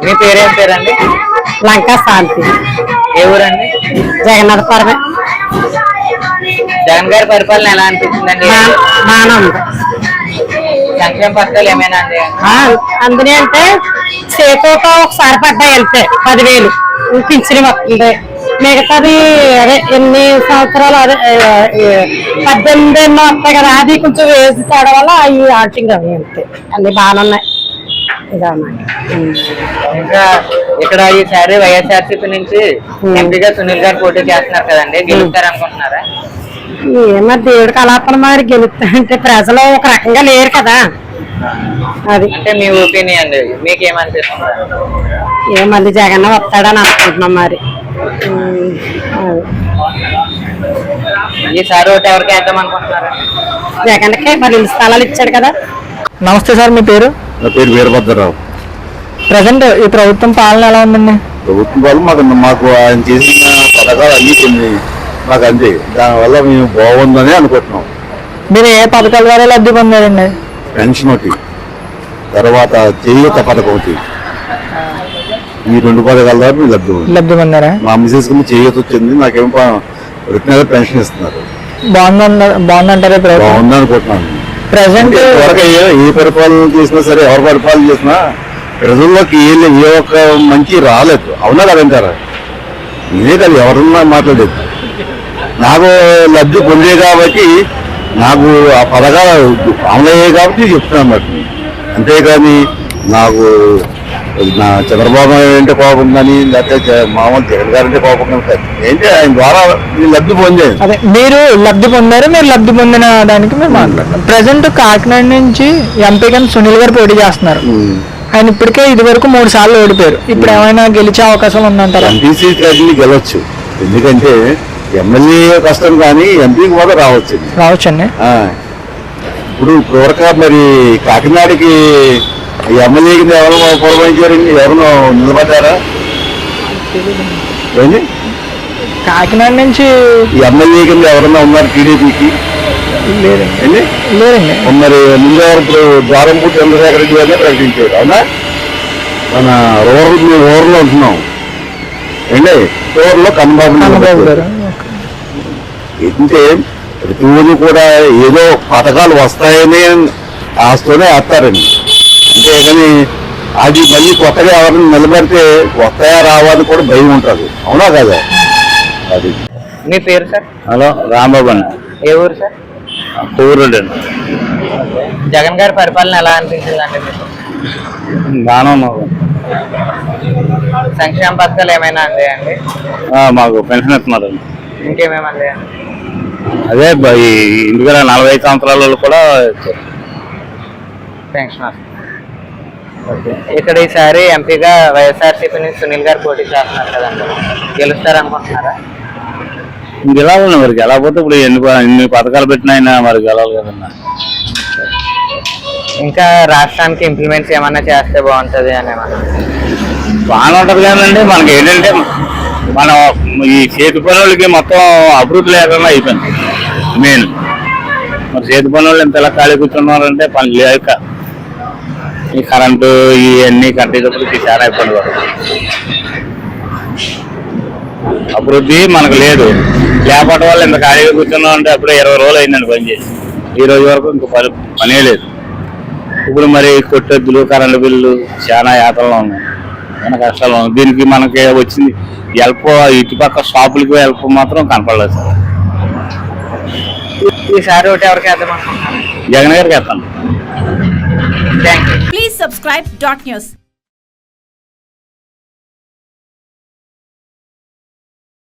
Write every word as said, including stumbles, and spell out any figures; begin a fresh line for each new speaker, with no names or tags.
మీ పేరేం పేరండి?
లంకా శాంతి.
ఏ ఊరండి?
జగన్నాథపురమే.
జగన్ గారి పరిపాలన ఎలా అనిపించిందండి?
బాగానే ఉంది.
సంక్షేమ పథకాలు ఏమైనా అండి?
అందులో అంటే చేతితో ఒకసారి పడ్డాయి వెళ్తే పదివేలు పింఛన్ వస్తుంది. మిగతాది అదే ఎన్ని సంవత్సరాలు అదే పద్దెనిమిది ఎన్నో వస్తాయి కదా, అది కొంచెం వేసి తేడా వల్ల అవి ఆటింగ్ అవి వెళ్తాయి. అన్ని బాగానే ఉన్నాయి.
ఇంకా ఇక్కడ ఈసారి వైఎస్ఆర్సీపీ నుంచి ఎంపీగా సునీల్ గారు పోటీ చేస్తున్నారు కదండి, గెలుస్తారు అనుకుంటున్నారా?
ఏమో దేవుడికి అలాపన మరి గెలుస్తారంటే ప్రజలు ఒక రకంగా లేరు కదా, అది
అంటే మీ ఒపీనియన్ అండి. మీకేమనిపిస్తుంది?
ఏ మళ్ళీ జగన్ వస్తాడని అనుకుంటున్నాం మరి.
ఈసారి ఒకటి ఎవరికి వేద్దాం అనుకుంటున్నారా?
జగన్కే మరి ఇల్లు స్థలాలు ఇచ్చాడు కదా.
నమస్తే సార్, మీ పేరు?
నా పేరు వీరభద్రరావు.
ప్రజెంట్ ఈ ప్రభుత్వం పాలన ఎలా ఉందండి?
ప్రభుత్వం వాళ్ళు మాకు మాకు ఆయన చేసిన పథకాలు అన్ని కొన్ని మాకు అంతే, దానివల్ల మేము బాగుందని అనుకుంటున్నాం.
మీరు ఏ పథకాల ద్వారా లబ్ధి పొందారండి?
పెన్షన్ ఒకటి, తర్వాత చేయూత పథకం ఒకటి, ఈ రెండు పథకాల ద్వారా మేము లబ్ధి
లబ్ధి పొందారా?
మా మిసెస్ కి చేయూత వచ్చింది, నాకేమో రిటర్న్ పెన్షన్ ఇస్తున్నారు.
బాగుంది బాగుందంటారా?
బాగుంది అనుకుంటున్నాను.
ప్రజెంట్
ఎవరికి ఏ పరిపాలన చేసినా సరే, ఎవరు పరిపాలన చేసినా ప్రజల్లోకి ఏ ఏ ఒక్క మంచి రాలేదు. అవునా కదంటారా? ఇదే కదా ఎవరన్నా మాట్లాడేది. నాకు లబ్ధి పొందే కాబట్టి, నాకు ఆ పథకాలు అమలయ్యాయి కాబట్టి చెప్తున్నాను అన్నమాట. అంతేకాని నాకు నా చంద్రబాబు అంటే కోపం కానీ, లేకపోతే మామూలు జగన్ గారు అంటే కోపం కానీ ఏంటి, ఆయన ద్వారా లబ్ధి పొందేది.
అదే మీరు లబ్ధి పొందారు. మీరు లబ్ధి పొందిన దానికి మేము మాట్లాడతాం. ప్రజెంట్ కాకినాడ నుంచి ఎంపీగా సునీల్ గారు పోటీ చేస్తున్నారు. ఆయన ఇప్పటికే ఇది వరకు మూడు సార్లు ఓడిపోయారు. ఇప్పుడు ఏమైనా గెలిచే అవకాశాలు ఉందంటారా?
ఎంపీ సీట్ గెలవచ్చు, ఎందుకంటే ఎమ్మెల్యే కష్టం కానీ ఎంపీకి కూడా రావచ్చు
రావచ్చండి.
ఇప్పుడు ఇప్పటివరకు మరి కాకినాడకి ఎమ్మెల్యే కింద ఎవరు పురమాయించారండి? ఎవరు నిలబడ్డారా? ఏంటి
కాకినాడ నుంచి
ఎమ్మెల్యే కింద ఎవరన్నా ఉన్నారు టీడీపీకి?
లేదండి లేదండి.
మరి ముందు ఇప్పుడు ద్వారంపూటి చంద్రశేఖర రెడ్డి గారినే ప్రకటించారు. అవునా? మన రూరల్ మేము ఊర్లో ఉంటున్నాం అండి, ఊర్లో కన్నబాబు గారు ఏంటంటే ప్రతి ఊరు కూడా ఏదో పథకాలు వస్తాయని ఆస్తూనే వేస్తారండి. అంతేగాని అది మళ్ళీ కొత్తగా ఎవరిని నిలబెడితే వస్తాయా రావాలని కూడా భయం ఉంటుంది. అవునా కదా? అది.
మీ పేరు సార్?
హలో, రాంబాబు అండి.
ఏ ఊరు సార్?
ఊరండి.
జగన్ గారి పరిపాలన ఎలా అనిపించింది అండి మీకు?
బాగానే ఉన్నావు.
సంక్షేమ పథకాలు ఏమైనా అందాయండి?
మాకు పెన్షన్ ఇస్తున్నారండి.
ఇంకేమేమి అందాయండి?
అదే ఈ ఇంటికి నలభై ఐదు సంవత్సరాల కూడా
పెన్షన్ వస్తుంది. ఇక్కడ ఈసారి ఎంపీగా వైఎస్ఆర్సీపీ నుంచి సునీల్ గారు పోటీ చేస్తున్నారు కదండి, గెలుస్తారు అనుకుంటున్నారా?
గెలవాలండి. మరి గెలకపోతే ఇప్పుడు ఎన్ని ఎన్ని పథకాలు పెట్టినా అయినా మరి గెలవాలి కదన్నా.
ఇంకా రాష్ట్రానికి ఇంప్లిమెంట్స్ ఏమన్నా చేస్తే బాగుంటుంది అని
బాగానే ఉంటుంది కదండి. మనకి ఏంటంటే మనం ఈ చేతి పనులకి మొత్తం అభివృద్ధి లేకుండా అయిపోయింది మెయిన్. మరి చేతి పనులు ఎంత ఎలా ఖాళీ కూర్చున్నారంటే పని లేక ఈ కరెంటు ఇవన్నీ కట్టేటప్పటికి చాలా ఇబ్బంది పడుతుంది. అభివృద్ధి మనకు లేదు. లేకపోవడం వల్ల ఇంత ఖాళీగా కూర్చున్నాం అంటే అప్పుడే ఇరవై రోజులు అయిందండి పని చేసి, ఈ రోజు వరకు ఇంకో పని పనే లేదు. ఇప్పుడు మరి కొట్టెద్దులు కరెంటు బిల్లు చాలా యాత్రలో ఉన్నాయి, చాలా కష్టాలు ఉన్నాయి. దీనికి మనకి వచ్చింది హెల్ప్ ఇటుపక్క షాపులకి హెల్ప్ మాత్రం కనపడలేదు సార్.
ఈసారి ఒకటి ఎవరికి వేద్దాం అనుకుంటున్నాను?
జగన్ గారికి వేస్తాను.
Thank you.
Please subscribe dot news.